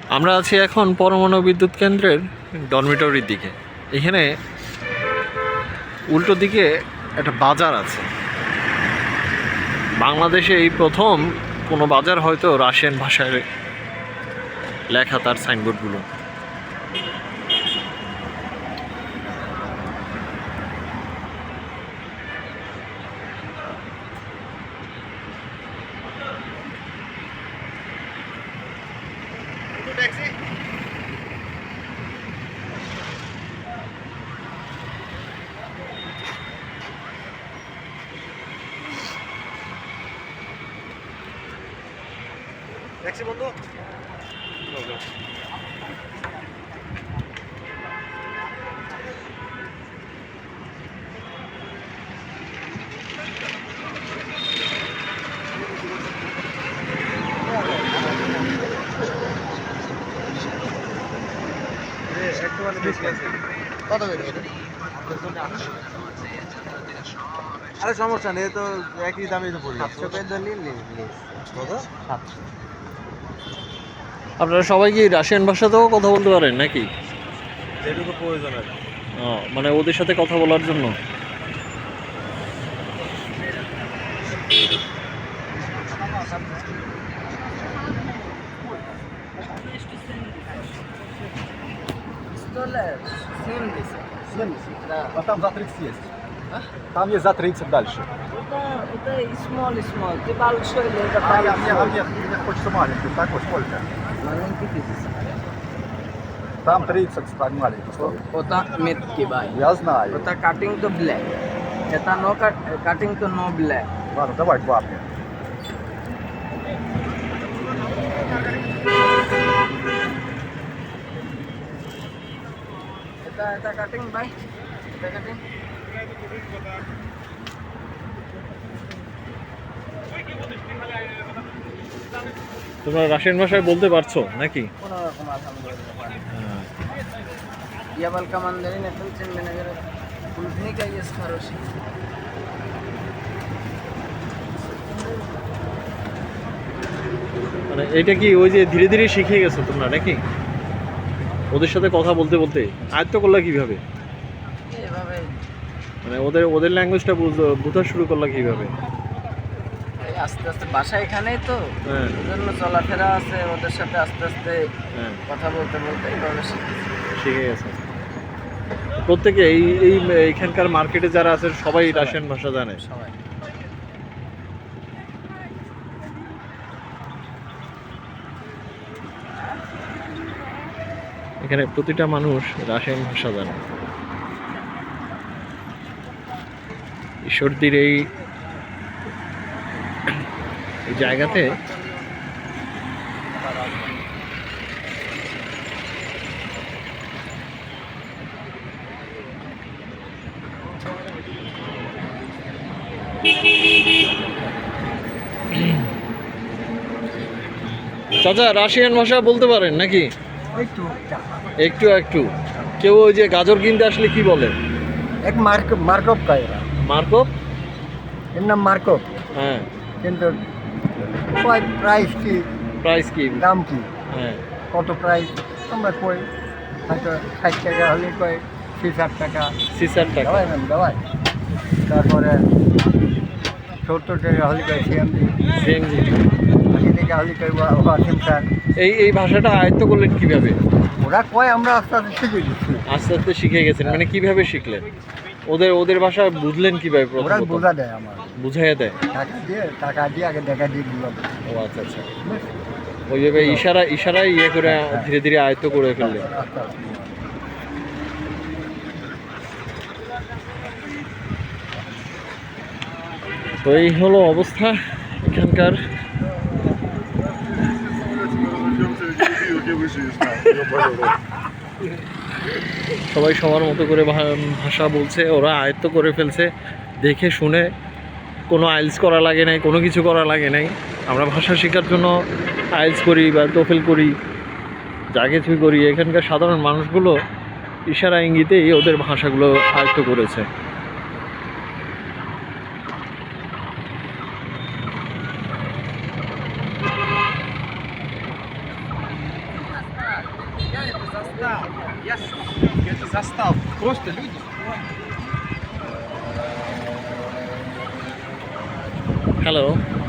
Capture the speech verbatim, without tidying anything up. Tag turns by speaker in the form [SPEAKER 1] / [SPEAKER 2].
[SPEAKER 1] আমরা আছি এখন পরমাণু বিদ্যুৎ কেন্দ্রের ডরমিটরির দিকে। এখানে উল্টো দিকে একটা বাজার আছে। বাংলাদেশে এই প্রথম কোনো বাজার হয়তো রাশিয়ান ভাষায় লেখা তার সাইনবোর্ডগুলো।
[SPEAKER 2] ট্যাক্সি বন্ধু কত আরে সমস্যা নেই, তো একই দামে তো পড়বে। সাতশো পেয়ে দিলি কত? সাতশো।
[SPEAKER 1] আপনারা সবাই কি রাশিয়ান ভাষাতেও কথা বলতে পারেন নাকি?
[SPEAKER 2] যেটুকু প্রয়োজন আছে।
[SPEAKER 1] ও, মানে ওদের সাথে কথা বলার জন্য।
[SPEAKER 2] А там за тридцать есть. Там есть за тридцать дальше.
[SPEAKER 3] Это, это и small, и small. Ты большой или это
[SPEAKER 2] А, я, мне, а
[SPEAKER 3] большой?
[SPEAKER 2] мне, мне хочется маленький. Такой сколько?
[SPEAKER 3] Маленький пиздец.
[SPEAKER 2] Там тридцать так маленький стоит.
[SPEAKER 3] ওটা মেটকি ভাই
[SPEAKER 2] Я знаю.
[SPEAKER 3] ওটা কাটিং তো ব্ল্যাক এটা নো কাটিং তো নো ব্ল্যাক
[SPEAKER 2] Ладно, давай два мне.
[SPEAKER 3] এটা এটা কাটিং ভাই এটা কাটিং
[SPEAKER 1] তোমরা রাশিয়ান ভাষায় বলতে পারছো নাকি?
[SPEAKER 3] কোনো রকম আলহামদুলিল্লাহ я только мандарин это очень менеджер клубника есть хороший
[SPEAKER 1] মানে এটা কি ওই যে ধীরে ধীরে শিখে গেছো তোমরা নাকি? ওদের সাথে কথা বলতে বলতে আয়ত্ত করলা কিভাবে?
[SPEAKER 3] এভাবে
[SPEAKER 1] মানে ওদের ওদের ল্যাঙ্গুয়েজটা বোঝা শুরু করলা কিভাবে?
[SPEAKER 3] এই আস্তে আস্তে বাসা এখানেই তো
[SPEAKER 1] হ্যাঁ
[SPEAKER 3] ওজন্য চলাফেরা আছে ওদের সাথে আস্তে আস্তে
[SPEAKER 1] হ্যাঁ
[SPEAKER 3] কথা বলতে বলতে এইভাবে শিখেছি
[SPEAKER 1] শিখে গেছে প্রত্যেকে। এই এই এইখানকার মার্কেটে যারা আছে সবাই রাশিয়ান ভাষা জানে।
[SPEAKER 3] সবাই
[SPEAKER 1] এখানে প্রতিটা মানুষ রাশিয়ান ভাষা জানে। ঈশ্বরদীর এই এই জায়গাতে চাচা রাশিয়ান ভাষা বলতে পারেন নাকি?
[SPEAKER 4] একটু
[SPEAKER 1] একটু একটু। কেউ ওই যে গাজর কিনতে আসলে কি বলে?
[SPEAKER 4] এক মার্ক মার্কপ का এরা
[SPEAKER 1] মার্কপ।
[SPEAKER 4] এর নাম মার্কপ
[SPEAKER 1] হ্যাঁ
[SPEAKER 4] কিন্তু কয় প্রাইস কি
[SPEAKER 1] প্রাইস কি?
[SPEAKER 4] দাম কি
[SPEAKER 1] হ্যাঁ
[SPEAKER 4] কত প্রাইস আমরা কই হয়তো ষাট টাকা হলে কয় ছিষ আট টাকা
[SPEAKER 1] সিসার টাকা।
[SPEAKER 4] দেওয়াই ম্যাম দেওয়াই তারপরে সত্তর টাকা হলে কয় সিএমজি
[SPEAKER 1] সেম জিনিস।
[SPEAKER 4] আশি টাকা হলে কয় ওয়াসিম স্যার
[SPEAKER 1] এই এই ভাষাটা আয়ত্ত করলেন কিভাবে?
[SPEAKER 4] ওরা কয় আমরা আস্তে আস্তে শিখে দিচ্ছি
[SPEAKER 1] আস্তে আস্তে শিখে গেছেন মানে কিভাবে শিখলেন? ওদের ওদের ভাষা বুঝলেন কিভাবে?
[SPEAKER 4] ওরা
[SPEAKER 1] প্রথমত
[SPEAKER 4] বোঝা দেয় আমার
[SPEAKER 1] বুঝাইয়া দেয়।
[SPEAKER 4] টাকা দিয়ে টাকা দিয়ে আগে দেখা দিয়ে দিলাম
[SPEAKER 1] ও আচ্ছা আচ্ছা। ওইভাবে ইশারা ইশারায় ইয়ে করে ধীরে ধীরে আয়ত্ত করে ফেললেন।
[SPEAKER 4] আস্তে আস্তে
[SPEAKER 1] তো এই হলো অবস্থা এখানকার। সবাই সবার মতো করে ভা- ভাষা বলছে, ওরা আয়ত্ত করে ফেলছে। দেখে শুনে কোনো আইলস করা লাগে নাই, কোনো কিছু করা লাগে নাই। আমরা ভাষা শেখার জন্য আইলস করি বা টোফেল করি, যা কিছুই করি। এখানকার সাধারণ মানুষগুলো ইশারা ইঙ্গিতেই ওদের ভাষাগুলো আয়ত্ত করেছে। হ্যালো